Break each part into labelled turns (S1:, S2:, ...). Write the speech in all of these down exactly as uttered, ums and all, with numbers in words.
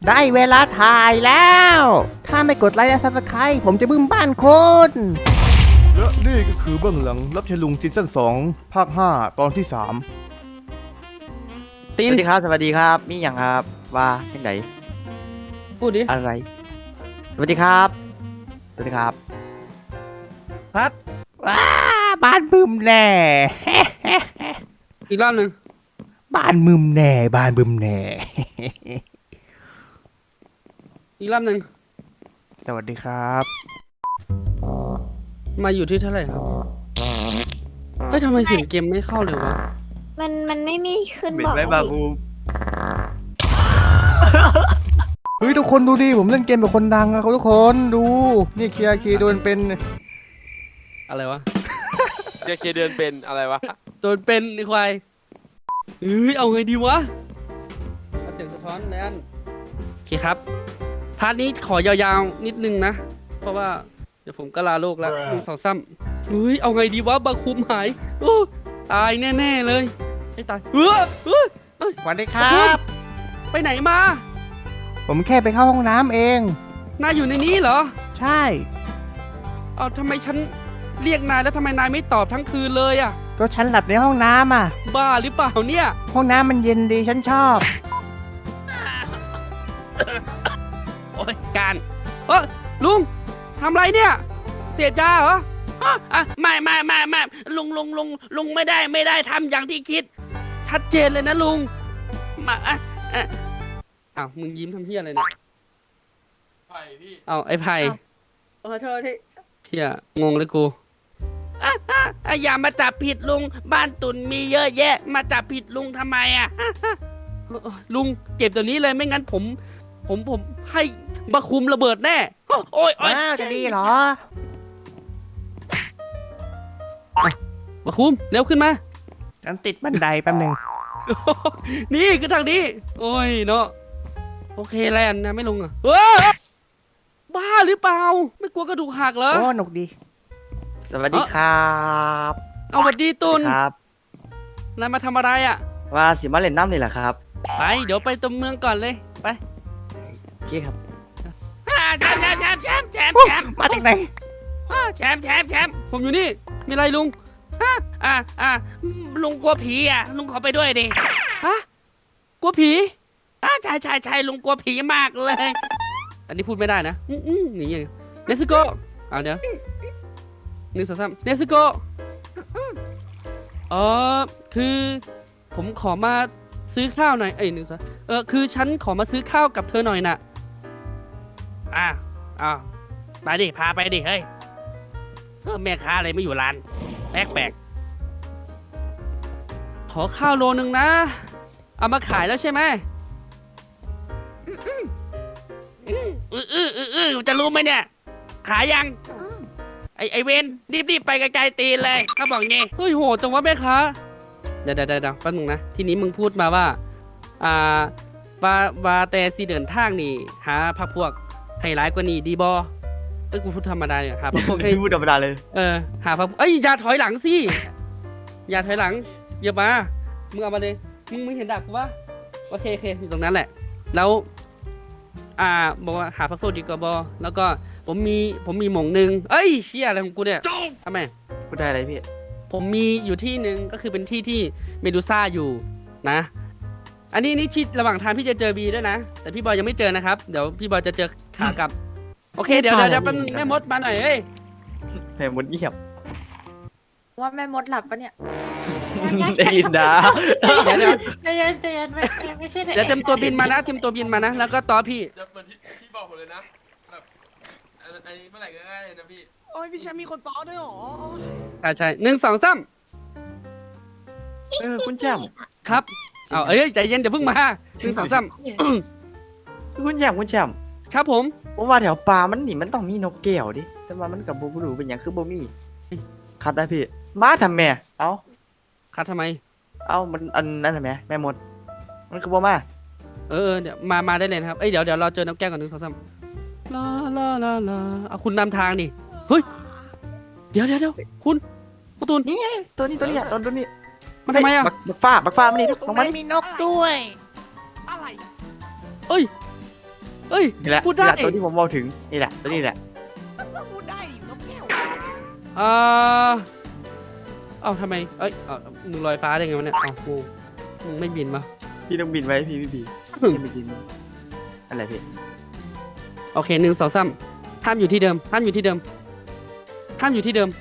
S1: ได้เวลาถ่ายแล้ว ถ้าไม่กดไลค์และซับสไครต์ผมจะบึ้มบ้านคุณและนี่ก็คือเบื้องหลังรับใช้ลุงซีซั่นสองภาคห้าตอนที่สาม
S2: สวัสดีครับสวัสดีครับมีอย่างครับว่าจังไหน
S3: พูดดิ
S2: อะไรสวัสดีครับสวัสดีครับ
S3: พัด
S1: ว้าบ้านบึ้มแน่
S3: อีกรอบหนึ่ง
S1: บ้านบึ้มแน่บ้านบึ้มแน่
S3: อีกรอบหนึ่ง
S1: สวัสดีครับ
S3: มาอยู่ที่เท่าไหร่ครับเฮ้ยทำไมเสียงเกมไม่เข้าเลยวะ
S4: มันมันไม่มีขึ้น
S2: เหม็น
S4: บอก
S2: ไหมบาบู
S1: เฮ้ยทุกคนดูดิผมเล่นเกมแบบคนดังอะเขาทุกคนดูนี่เคียร์คีโดนเป็น
S3: อะไรวะ
S5: เจเคเดินเป็นอะไรวะ
S3: โดนเป็นไอ้ควายเฮ้ยเอาไงดีวะเอาเสียงสะท้อนแลนโอเคครับพาร์ทนี้ขอยาวๆนิดนึงนะเพราะว่าเดี๋ยวผมก็ลาโลกแล้วหนึ่งสองซ้ำเฮ้ยเอาไงดีวะบาคุมหายโอ้ตายแน่ๆเลยไอ้ตายเฮ้ยเฮ้ยเฮ้ย
S1: สวัสดีครับ
S3: ไปไหนมา
S1: ผมแค่ไปเข้าห้องน้ำเอง
S3: นายอยู่ในนี้เหรอ
S1: ใช่
S3: เอาทำไมฉันเรียกนายแล้วทำไมนายไม่ตอบทั้งคืนเลยอ่ะ
S1: ก็ฉันหลับในห้องน้ำอ่ะ
S3: บ้าหรือเปล่าเนี่ย
S1: ห้องน้ำมันเย็นดีฉันชอบ
S3: โอ้ยการเออลุงทำไรเนี่ยเสพยาเหรออ่ะไม่ไม่ไม่ไม่ลุงลุงลุงลุงไม่ได้ไม่ได้ทำอย่างที่คิดชัดเจนเลยนะลุงมาอ่ะอ่ะอ้าวมึงยิ้มทำเพี้ยอะไรเนี่ย
S5: ไผ่พี่
S3: เอาไอ้ไผ่
S4: ขอโทษที่
S3: เที่ยงงเลยกูอ่ะอ่ะอย่ามาจับผิดลุงบ้านตุ่นมีเยอะแยะมาจับผิดลุงทำไมอ่ะลุงเก็บตัวนี้เลยไม่งั้นผมผมผมให้บะคุมระเบิดแน่โอ้ยโอ้ย
S1: จะดีเหรอ
S3: บะคุมเร็วขึ้นมา
S1: ฉันติดบันไดแป๊บนึง
S3: นี่คือทางนี้โอ้ยเนาะโอเคแลนนะไม่ลงอ่ะเออบ้าหรือเปล่าไม่กลัวกระดูกหักเหรอ
S1: โอ้หนุกดี
S2: สวัสดีครับ
S3: เอาสวัสดีตุน
S2: ครับ
S3: นายมาทำอะไรอ่ะ
S2: ว่าสิมาเล่นน้ำนี่แหละครับ
S3: ไปเดี๋ยวไปตัวเมืองก่อนเลยไป
S2: โอเคครับ
S3: แชมป์แชมป์แชมป์แชมป์แชมป์แชมป์
S1: มาจากไหน
S3: แชมป์แชมป์แชมป์ผมอยู่นี่มีอะไรลุงอ่ะอ่ะอ่ะลุงกลัวผีอ่ะลุงขอไปด้วยดิฮะกลัวผีอ่ะใช่ใช่ใช่ลุงกลัวผีมากเลยอันนี้พูดไม่ได้นะอืมอืมอย่างเงี้ยเนสโกเอาเดี๋ยวหนึ่งสองสามเนสโกเออคือผมขอมาซื้อข้าวหน่อยเอ้ยหนึ่งสองเออคือฉันขอมาซื้อข้าวกับเธอหน่อยน่ะอ่ะอ่ะไปดิพาไปดิเฮ้ยแม่ค้าอะไรไม่อยู่ร้านแปลกๆขอข้าวโลนึงนะเอามาขายแล้วใช่ไหมอืออืออืออือจะรู้ไหมเนี่ยขายยังไอไอเวนรีบๆไปไกลๆตีนเลยเขาบอกงี้เฮ้ยโหจังวะแม่ค้าเดี๋ยวเดี๋ยวเดี๋ยวแป๊บนึงนะทีนี้มึงพูดมาว่าอ่าวาวาแต่สีเดินทางนี่หาพักพวกให้ร้ายกว่านี้ดีบอเอ้ยกูพูดธรรมดาเนี่ยหาพักพวกให้
S2: พูดธรรมดาเลย
S3: เออหาพักเอ้ยอย่าถอยหลังสิอย่าถอยหลังอย่ามามึงเอามาเลยมึงมึงเห็นดักกูปะโอเคโอเคอยู่ตรงนั้นแหละแล้วอ่าบอกว่าหาพักพวกดีกว่าบอแล้วก็ผมมีผมมีหม่งหนึ่งเอ้ยเชี่ยอะไรของกูเนี่ยทำไม
S2: พูดได้อะไรพี่
S3: ผมมีอยู่ที่หนึ่งก็คือเป็นที่ที่เมดูซ่าอยู่นะอันนี้นี่พี่ระหว่างทางพี่จะเจอบีด้วยนะแต่พี่บอยยังไม่เจอนะครับเดี๋ยวพี่บอยจะเจอขากลับโอเคเดี๋ยวเดี๋ยวเป็นแม่มดมาหน่อยเฮ้ย
S2: แม่มดเงียบ
S4: ว่าแม่มดหลับปะเนี่ย
S2: ได้ยินนะ
S3: เดี๋ยวเดี๋ยว
S4: ใจเย็นใจเย็นไม่ไม่ใช่
S3: เดี๋ยวเต็มตัวบินมานะเต็มตัวบินมานะแล้วก็ต่อพี่
S5: จะเหมือนที่พี่บอกผมเลยนะแบบอันนี้เมื่อไหร่ก็ได้เลยนะพี่
S6: โอ้ยพี่แชมป์มีคนต่อด้วยหรอ
S3: ใช่ใช่หนึ่งสองสาม
S2: เออคุณแชมป์
S3: ครับเอาเอ้ยใจเย็นอย่าเพิ่งมาหนึ่งสองสาม
S2: คุณแชมป์คุณแชมป์
S3: ครับผม
S2: ผมว่าแถวป่ามันนี่มันต้องมีนกแก้วดิแต่ว่ามันกับบูบูเป็นอย่างคือบูมี่คัดได้พี่มาทำแม่เอา
S3: คัดทำไม
S2: เอามันอันนั้นทำไมแม่มดมันคือบูมา
S3: เออเดี๋ยวมามาได้เลยนะครับเอ้ยเดี๋ยวเดี๋ยวเราเจอน้ำแก้วก่อนหนึ่งสองสามลาลาลาลาเอาคุณนำทางดิเฮ้ยเดี๋ยวเดี๋ยวเดี๋ยวคุณคุณตูน
S2: นี่ตัวนี้ตัวนี้ตัวตัวนี้
S3: มันทำไมอ่ะ
S2: บักฟ้าบักฟ้ามันนี่
S1: ตรงนั้นมีนกด้วย
S6: อะไร
S3: เอ้ยเอ้ย
S2: นี่แหละ
S3: พูดได้
S2: นี่แหละตัวที่ผมบอกถึงนี่แหละตัวนี้แหละ
S6: ก็พูดได้ดินกแก้ว
S3: เอ่อเอ้าทำไมเอ้ยเอ้ามึงลอยฟ้าได้ไงวะเนี่ยเอ้ากูมึงไม่บินมา
S2: พี่ต้องบินไว้พี่พี่บี
S3: อืม
S2: พี่บินอะไรพี่
S3: โอเคหนึ่งสองสามห้ามอยู่ที่เดิมห้ามอยู่ที่เดิมห้ามอยู่ที่เดิม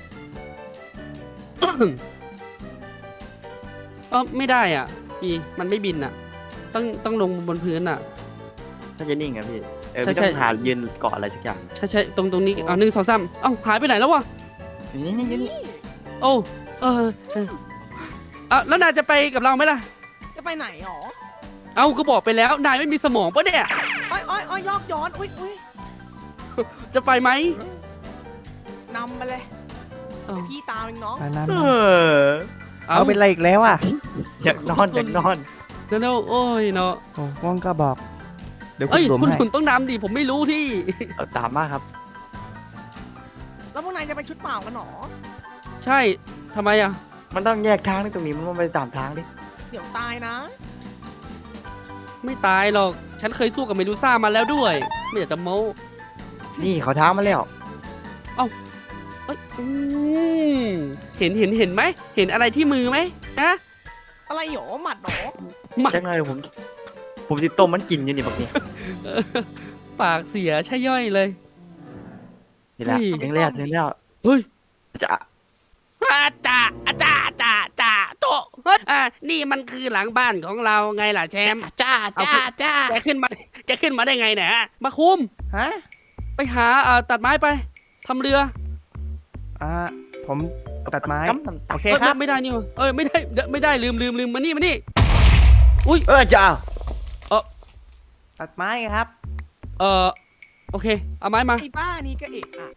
S3: เออไม่ได้อ่ะปีมันไม่บินอ่ะ ต้องต้องลงบนพื้นอ่ะ
S2: ถ้าจะนิ่งอะพี่เออ
S3: ใช่
S2: พี่ต้อง
S3: ใช่
S2: หายืนเกาะอะไรสักอย่าง
S3: ใช่ใช่ตรงตรงนี้เอาหนึ่งสองสามเอ้าหายไปไหนแล้ววะ
S2: นี่นี่นี่นี่
S3: โอ้เออเอออ่ะแล้วนายจะไปกับเราไหมล่ะ
S6: จะไปไหนหรอ
S3: เอ้าก็บอกไปแล้วนายไม่มีสมองปะเนี่ย
S6: อ้อยอ้อยอ้อยยอกย้อนอุ้ยอุ้ย
S3: จะไปไหม
S6: นำไปเลย
S3: เอ้า
S6: พี่ตามเองน้อง
S1: นั่น
S2: เอ
S1: ๆ
S2: อ
S1: เอาเป็นไรอีกแล้วอ่ะ
S2: อยากนอนอยากนอน
S3: เดี๋ยวๆโอ้ยเนาะ
S1: โอ้ว่างก็บอก เดี๋ยวคุ
S3: เอ้
S1: ณ
S3: ย
S1: รวม
S3: คุณ
S1: ให้
S3: ขุนต้องนำดิผมไม่รู้ที่
S2: เอาตามมากครับ
S6: แล้วพวกนายจะไปชุดเปล่ากันหรอ
S3: ใช่ทำไมอ่ะ
S2: มันต้องแยกทางนี่ตรงนี้มันต้องไปตามทางดิ
S6: เดี๋ยวตายนะ
S3: ไม่ตายหรอก ฉันเคยสู้กับเมดูซ่ามาแล้วด้วย ไม่อยากจะโม้
S2: นี่เขาท้ามาแล้ว
S3: เอ้ยอืมเห็นเห็นเห็นไหม เห็นอะไรที่มือไหมฮะ
S6: อะไรหรอหมัดหรอ
S3: มา
S2: จังเลยผม ผมติดต้มมันกินอยู่นี่แบบนี้
S3: ปากเสียใช่ย่อยเลย
S2: นี่แหละ
S3: เฮ้ย
S2: ถึงแล้วถึงแล้ว
S3: เฮ้ย
S2: จะ
S3: อาจ่าอาจ่าจ่าจ่าโตะเฮ้ยอ่านี่มันคือหลังบ้านของเราไงล่ะแชมป์จ้าจ้าจ้าจะขึ้นมาจะขึ้นมาได้ไงเนี่ยฮะมาคุม
S1: ฮะ
S3: ไปหาอ่าตัดไม้ไปทำเรือ
S1: อ่า ผมตัดไม้
S2: กำน้ำ
S1: โอเค
S3: เอ้ย
S1: ครับ
S3: ไม่ได้นี่หว่าเอ้ยไม่ได้ไม่ได้ลืมลืมลืมมานี่มานี่
S2: เออจ้า
S1: ตัดไม้ครับ
S3: เออโอเคเอาไม้มา
S6: ไอ้บ้านี่ก็เอะอะ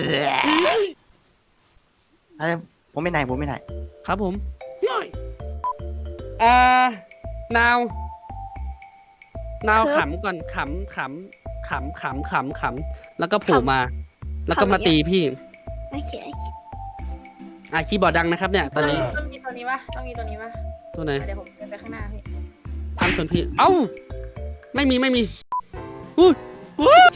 S2: อะไรผมไม่ไหนผมไม่ไหน
S3: ครับผมย่อยอ่านาว นาว
S4: ครับ
S3: ขำก่อนขำขำขำขำขำขำแล้วก็โผล่มา แล้วก็มา
S4: ขำอย่างเงี้
S3: ตี
S4: ย
S3: พี่
S4: โอเคโอเค
S3: อ่ะคีย์บอร์ดดังนะครับเนี่ยตอนนี้
S4: ต้องมีตัวนี้ปะต้องมีตัวนี้ปะ
S3: ตัวไหน
S4: เดี๋ยวผมเดินไปข้างหน้าพี่
S3: ตามส่วนพี่ เอ้า ไม่มีไม่มีอุ้ยอุ้ย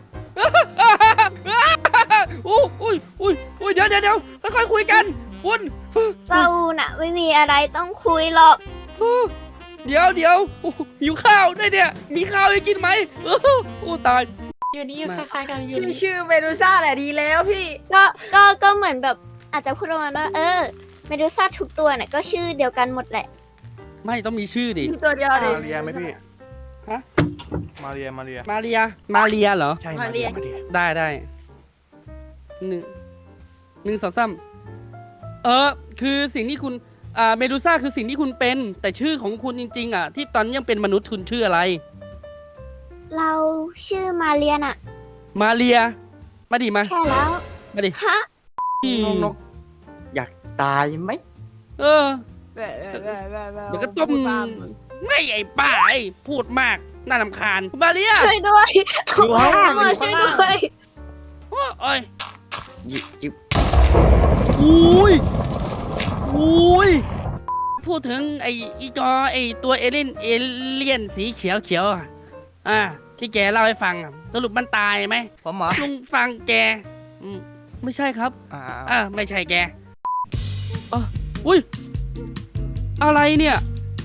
S3: อุ้ยอุ้ยอุ้ยอุ้ยเดี๋ยวเดี๋ยวเดี๋ยวค่อยๆคุยกันคุณ
S4: เศร้าน่ะ ไม่มีอะไรต้องคุยหรอก
S3: เดี๋ยวเดี๋ยวโอ้หิวข้าวได้วยเนี่ย มีข้าวให้กินไหมโอ้ตาย
S4: อยู่นี่อยู่
S3: มา
S4: คล้ายๆกันอยู่
S6: ชื่อ
S4: นี่
S6: ชื่อเมดูซ่าแหละดีแล้วพี่
S4: ก็ก็ก็เหมือนแบบอาจจะพูดประมาณว่าเออเมดูซ่าทุกตัวเนี่ยก็ชื่อเดียวกันหมดแหละ
S3: ไม่ต้องมีชื่อดิ
S6: ตัวเดียวดิ
S1: มาเรียไหมพี่
S3: ฮะ
S1: มาเรีย มาเรีย
S3: มาเรีย มาเรียเหรอ
S1: ใช่ มาเรีย มาเรีย
S3: ได้ได้หนึ่งหนึ่งสองสามเออ คือสิ่งที่คุณอ่าเมดูซ่าคือสิ่งที่คุณเป็น แต่ชื่อของคุณจริงๆอ่ะ ที่ตอนยังเป็นมนุษย์คุณชื่ออะไร
S4: เราชื่อมาเรียน่ะ
S3: มาเรีย มาดิมา
S4: ใช่แล้ว
S3: มาดิ
S4: ฮะ
S2: นกนกอยากตายไหม
S3: เออ เดี๋ยวก็ต้มไม่ไอ้ป้าไอ้พูดมาก น่ารำคาญคุณมาเรีย
S4: ช่วยด้วย
S2: อยู่ข้างล่าง
S4: มา
S2: อยู่
S4: ช่
S2: ข้า
S4: วย
S2: งล่าง
S4: ด้วย
S3: โอ้ย
S2: ยิยิบ
S3: อุ้ยอุ้ยพูดถึงไอ้อีจอไอ้ตัวเอเลี่ยนเอเลี่ยนสีเขียวเขียวๆอ่ะอ่าที่แกเล่าให้ฟังอะสรุปมันตายไหม
S1: ผมเหรอ
S3: ลุงฟังแกอืมไม่ใช่ครับ
S1: อ่า
S3: อ่าไม่ใช่แกอ่ะอุ้ยอะไรเนี่ย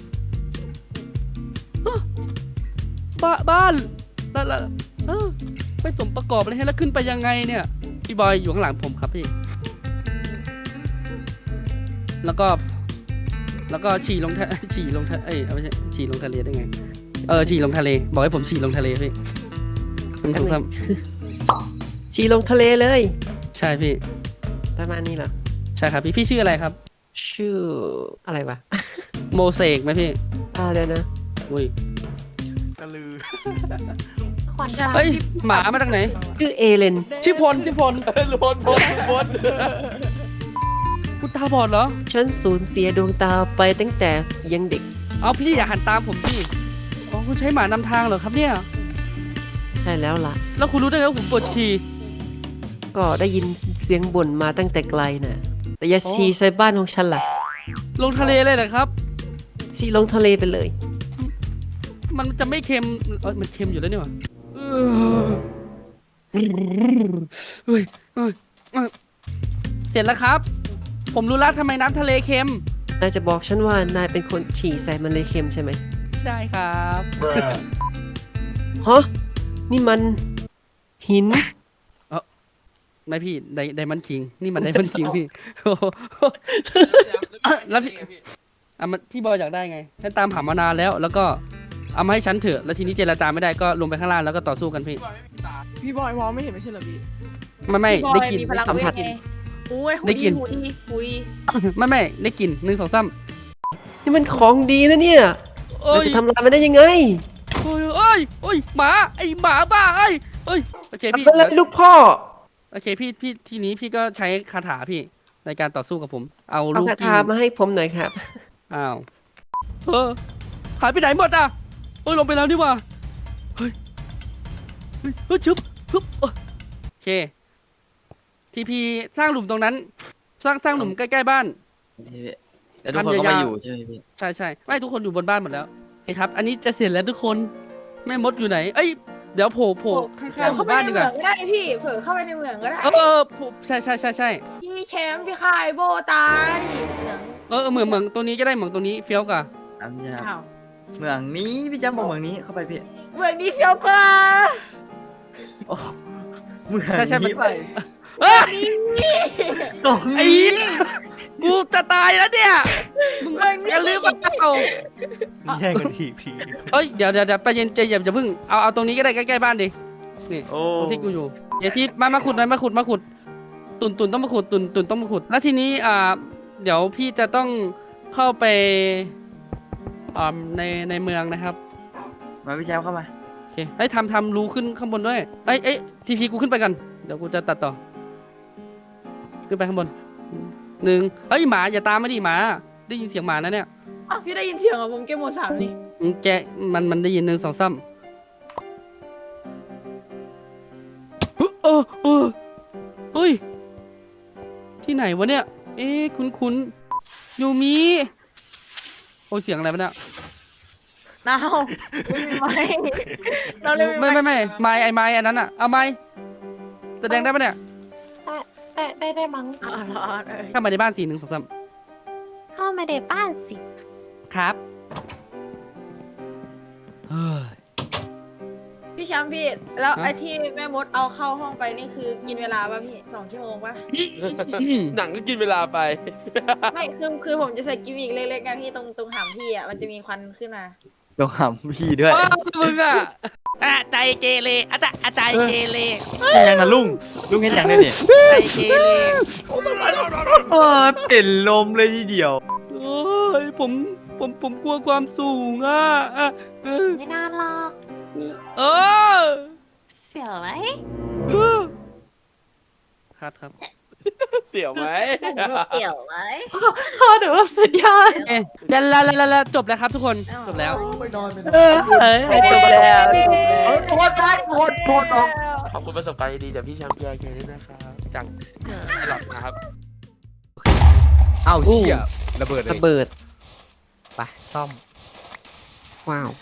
S3: ฮะบ้าบ้านแล้วแล้วเออไม่สมประกอบเลยให้แล้วขึ้นไปยังไงเนี่ยพี่บอยอยู่ข้างหลังผมครับพี่ แล้วก็ แล้วก็ฉี่ลงทะ ฉี่ลงทะเอ้ยเอาไม่ใช่ฉี่ลงทะเลได้ไง เออฉี่ลงทะเล บอกให้ผมฉี่ลงทะเลพี่หนึ่งสองสาม
S7: ชีลงทะเลเลย
S3: ใช่พี่
S7: ประมาณนี้เหรอ
S3: ใช่ครับพี่พี่ชื่ออะไรครับ
S7: ชื่ออะไรวะ
S3: โมเสกไหมพี่
S7: อ่าเดี๋ยวนะ
S3: อุ้ย
S1: กระลือ
S4: ขอชา
S3: เฮ้ยหมามาจากไหน
S7: ชื่อเอเลน
S3: ชื่อพลชื่อพลเออพลพลพลคุณตาบอดเหรอ
S7: ฉันสูญเสียดวงตาไปตั้งแต่ยังเด็ก
S3: เอาพี่อย่าหันตามผมสิอ๋อคุณใช้หมานำทางเหรอครับเนี่ย
S7: ใช่แล้วล่ะ
S3: แล้วคุณรู้ได้ไงว่าผมปวดฉี่
S7: ก็ได้ยินเสียงบ่นมาตั้งแต่ไกลน่ะ แต่อย่า
S3: โอ้
S7: ชีใส่บ้านของฉันล่ะ
S3: ลงทะเลเลยเหรอครับ
S7: ชีลงทะเลไปเลย
S3: มันจะไม่เค็มเออมันเค็มอยู่แล้วนี่หว่าเออเฮ้ยเฮ้ยเฮ้ยเสร็จแล้วครับ ผมรู้แล้วทำไมน้ำทะเลเค็ม
S7: นายจะบอกฉันว่านายเป็นคนฉี่ใส่มันเลยเค็มใช่ไหม
S3: ใช่ครับ
S7: ฮะ นี่มันหิน
S3: นายพี่ไดไดมันคิง นี่มันไดมันคิงพี่โอ้โห แล้วพี่ อ่ะมันพี่บอยอยากได้ไง ฉันตามหามานานแล้ว แล้วก็เอามาให้ฉันเถอะ แล้วทีนี้เจรจาไม่ได้ก็ลงไปข้างล่างแล้วก็ต่อสู้กันพี่
S6: พี่บอยมองไม่เห็นไม่ใช่เหรอพี่
S3: ไม่ไม่
S8: พี่บอ
S3: ได้
S8: ย
S3: กิน
S8: มีพลัง
S7: สัม
S8: เว
S7: ผั
S8: ท
S7: ส
S8: ไงโอ้ยหู
S3: ได้กิ
S8: ดี
S3: น
S8: หูดีหูดี
S3: ไม่ไม่ได้กินหนึ่งสองสาม
S7: นี่มันของดีนะเนี่ย
S3: โอ้
S7: เรา
S3: ย
S7: จะทำลายมันได้ยังไง
S3: โอ้ยโอ้ยโอ้ยหมาไอหมาบ้าไอ้เอ้ยโอเคพี่
S7: ทำอะไรลูกพ่อ
S3: โอเคพี่พี่ทีนี้พี่ก็ใช้คาถาพี่ในการต่อสู้กับผม เอา
S7: เอา
S3: ลูก
S7: คา
S3: กิ้
S7: ถาง มาให้ผมหน่อยครับ
S3: อ้าวเออหายไปไหนหมดอ่ะโอ้ยลงไปแล้วนี่หว่าเฮ้ยเฮ้ยเฮ้ยชึบชึบเออโอเคทีพีสร้างหลุมตรงนั้น สร้างสร้างหลุมใกล้ๆบ้าน
S2: พี่แล้วทุกคนก็
S3: ทำยาวๆ
S2: มาอยู่ใช่ไหมพี่
S3: ใช่ใช่ไม่ทุกคนอยู่บนบ้านหมดแล้วโอเคครับ อันนี้จะเสร็จแล้วทุกคนแม่มดอยู่ไหน เอ้ยเดี๋ยวโผล่โผล่ข้าง
S8: เผื่อ
S3: ๆห
S8: เข้า
S3: มู่
S8: ไป
S3: บ้าน
S8: ใน
S3: ดี
S8: เห
S3: ก
S8: มื
S3: ว่า
S8: องก็ได้พี่เผื่อเข้าไปในเหมืองก็ได้
S3: เออเออโผล่ใช่ใช่ใช่ใช่
S8: พี่แชมป์พี่คายโบตายเหมือง
S3: เออเออเหมืองเหมืองตัวนี้ก็ได้เหมืองตัวนี้เฟี้ยวกว่า
S2: อ่ะพี่ค
S8: อ้า
S2: รับ
S8: ว
S2: เมืองนี้พี่จำบอกเมืองนี้เข้าไปพี่
S8: เหมืองนี้เฟี้ยวกว่า
S2: โอ้เมือง
S3: ใช่ใช่มัน
S2: นี้ไป
S3: เอ้ย
S2: ตรง
S3: ไอ้
S2: นี้
S3: กูจะตายแล้วเนี่ยมึงอย่าลืมว่าเอา
S1: แย่งกันทีพี
S3: เอ้ยเดี๋ยวเดี๋ยวเดี๋ยวไปเย็นใจเย็นอย่าเพิ่งเอาเอาตรงนี้ก็ได้ใกล้ๆบ้านดินี่
S2: โอ้
S3: ตรงที่กูอยู่เดี๋ยวที่มามาขุดหน่อยมาขุดมาขุด ตุนตุนต้องมาขุดตุนตุนต้องมาขุด แล้วทีนี้อ่าเดี๋ยวพี่จะต้องเข้าไปอ่าในในเมืองนะครับ
S2: มาพี่แชมป์เข้ามา
S3: โอเคไอ้ยทำทำรูขึ้นข้างบนด้วยเอ้ยเอ้ยทีพีกูขึ้นไปกันเดี๋ยวกูจะตัดต่อขึ้นไปข้างบนหนึ่งเอ้ยหมาอย่าตามมาดิหมาได้ยินเสียงหมานะเนี่ย
S8: อ้าวพี่ได้ยินเสียงเหรอผมเก็บหมดสามนี่
S3: อืมแกมันมันได้ยินหนึ่งสองสามเออเออเออเฮ้ยที่ไหนวะเนี่ย เอ๊ะคุ้นคุ้นๆยูมิโอ้ยเสียงอะไรวะเนี่ย
S8: นาวไม่มีไม้เราเลย
S3: ไม่ไม่ไม่ไม้ไอ้ไม้อันนั้นอ่ะเอาไม้แสดงได้ปะเนี่ย
S9: ได้ได้ได้มั้ง
S8: อ๋อเหรอเออ
S3: เข้ามาในบ้านสี่หนึ่งสองสาม
S9: เข้ามาในบ้านสิ
S3: ครับเฮ้ย
S8: พี่แชมป์พี่แล้ว
S3: ฮะ
S8: ไอ้ที่แม่มดเอาเข้าห้องไปนี่คือกินเวลาป่ะพี่สองชั่วโมงป่ะ
S5: หนังก็กินเวลาไป
S8: ไม่คือคือผมจะใส่กิมมิกเล็กๆไงพี่ตรงตรงหางพี่อ่ะมันจะมีควันขึ้นมา
S2: ต้องหำพี่ด้วย
S3: อ้าวมึงอ่ะอ่ะใจเกเรอ่ะจ้ะอ่ะใจเกเร
S2: เห็นยังนะลุงลุงเห็นยังได้เนี่ย
S3: ใจเกเร
S2: โอ้เป็นลมเลยทีเดียว
S3: โอ้ยผมผมผมกลัวความสูงอ่ะอ่ะเออ
S9: ไม่น่าหรอก
S3: เออ
S9: เสียวไหม
S3: ครับครับ
S5: เสียวไหม
S8: เกี่ยวไหม
S9: ข้อดูสุดยอด
S3: เอ๊ะแล้วแล้วแล้วแล้วจบแล้วครับทุกคนจบแล้ว
S1: ไม่นอนไม่นอน
S2: เออจบแล้วจบแล้ว
S5: โทษได้โทษโทษน้องขอบคุณประสบการณ์ดีๆจากพี่แชมป์พีไอเคด้วยนะครับจังไม่หลับนะครับ
S10: เอ้าเชี่ยระเบิดเล
S7: ระ
S10: ย
S7: เบิด
S10: ไปซ่อม
S7: ว้าว